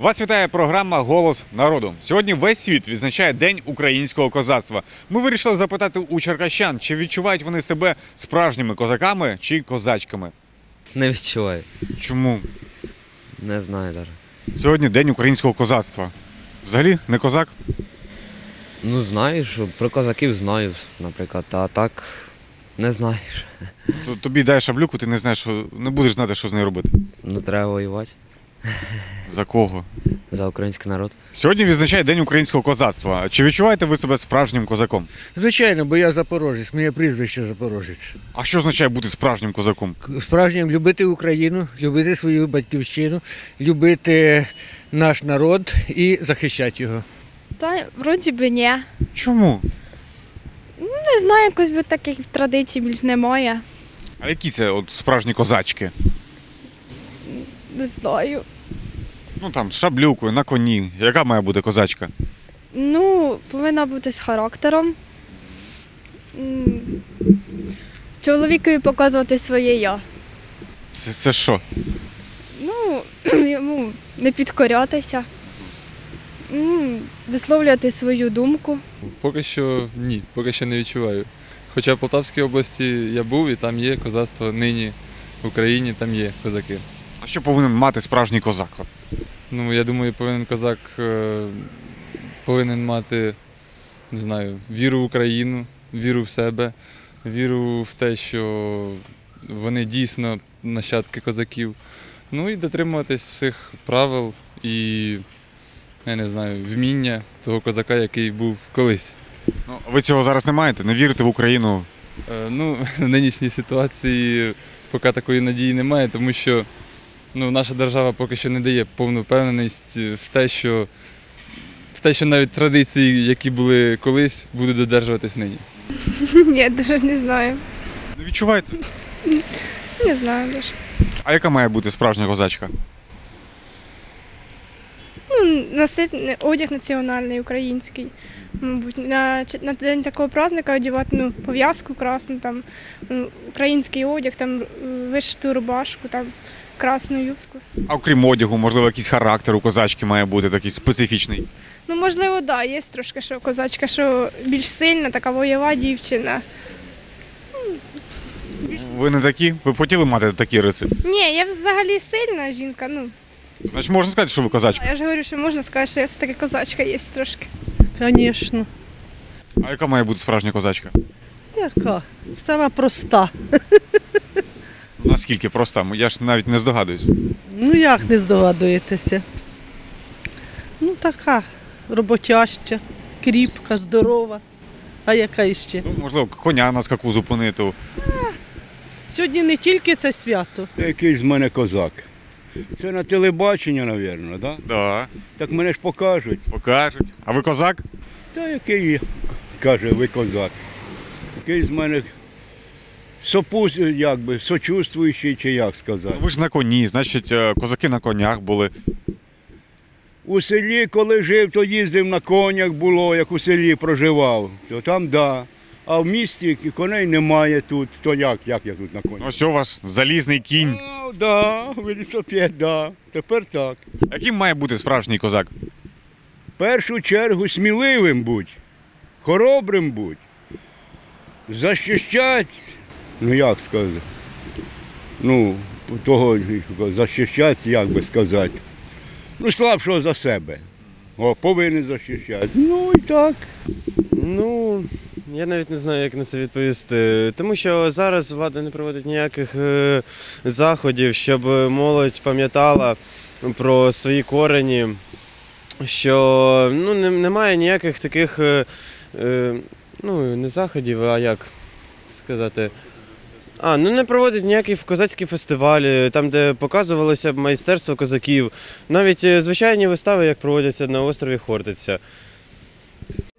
Вас вітає програма «Голос народу». Сьогодні весь світ відзначає День українського козацтва. Ми вирішили запитати у черкащан, чи відчувають вони себе справжніми козаками чи козачками. Не відчуваю. Чому? Не знаю навіть. Сьогодні День українського козацтва. Взагалі не козак? Ну знаю, що про козаків знаю, наприклад, а так не знаю. Тобі дай шаблюку, ти не знаєш, не будеш знати, що з нею робити. Ну треба воювати За кого? за український народ. Сьогодні відзначає День українського козацтва. Чи відчуваєте ви себе справжнім козаком? Звичайно, бо я запорожець, моє прізвище запорожець. А що означає бути справжнім козаком? Справжнім любити Україну, любити свою батьківщину, любити наш народ і захищати його. Та вроді би ні. Чому? Не знаю, якось би таких традицій більш немає. А які це от справжні козачки? Не знаю. Ну там з шаблюкою, на коні. Яка має бути козачка? Ну, повинна бути з характером. М, Чоловікові показувати своє я. Це що? Ну, йому не підкорятися. Висловлювати свою думку. Поки що ні, поки що не відчуваю. Хоча в Полтавській області я був і там є козацтво, нині в Україні там є козаки. А що повинен мати справжній козак? Ну, я думаю, козак повинен мати, не знаю, віру в Україну, віру в себе, віру в те, що вони дійсно нащадки козаків. Ну і дотримуватись всіх правил і, я не знаю, вміння того козака, який був колись. Ну, ви цього зараз не маєте? Не вірите в Україну? Ну, в нинішній ситуації поки такої надії немає, тому що наша держава поки що не дає повну впевненість в те, що навіть традиції, які були колись, будуть додержуватись нині. Ні, навіть не знаю. Не відчуваєте? Не знаю навіть. А яка має бути справжня козачка? Носити одяг національний, український. Мабуть, на день такого праздника одягати пов'язку красну, там, український одяг, там, вишиту рубашку, там, красну юбку. А окрім одягу, можливо, якийсь характер у козачки має бути такий специфічний. Ну, можливо, так, да, є трошки, що козачка, що більш сильна, така бойова дівчина. Ви не такі? Ви б хотіли мати такі риси? Ні, я взагалі сильна жінка, Значить, можна сказати, що ви козачка. я ж говорю, що можна сказати, що я все-таки козачка є трошки. Звісно. А яка має бути справжня козачка? Яка? Сама проста. Наскільки проста? Я ж навіть не здогадуюсь. Ну як не здогадуєтеся? Ну така роботяща, кріпка, здорова. А яка іще? Ну, можливо, коня на скаку зупинити. Сьогодні не тільки це свято. Який з мене козак. Це на телебачення, мабуть, да? Да, Так мене ж покажуть. покажуть. А ви козак? Та який є, каже, ви козак. Який з мене сочувствуючий, чи як сказати. Ви ж на коні, значить, козаки на конях були. У селі, коли жив, то їздив на конях було, як у селі проживав. То там да. А в місті коней немає тут. То як я тут на конях? Ось у вас залізний кінь. Да, велосипед, да. Тепер так. Яким має бути справжній козак? В першу чергу сміливим будь, хоробрим будь, захищати, як сказати, захищати, як би сказати, слабшого за себе, повинен захищати, і так. Ну, я навіть не знаю, як на це відповісти. Тому що зараз влада не проводить ніяких заходів, щоб молодь пам'ятала про свої корені, що немає ніяких таких, не заходів, а як сказати. Не проводять ніякі козацькі фестивалі, там, де показувалося б майстерство козаків. Навіть звичайні вистави, як проводяться на острові Хортиця.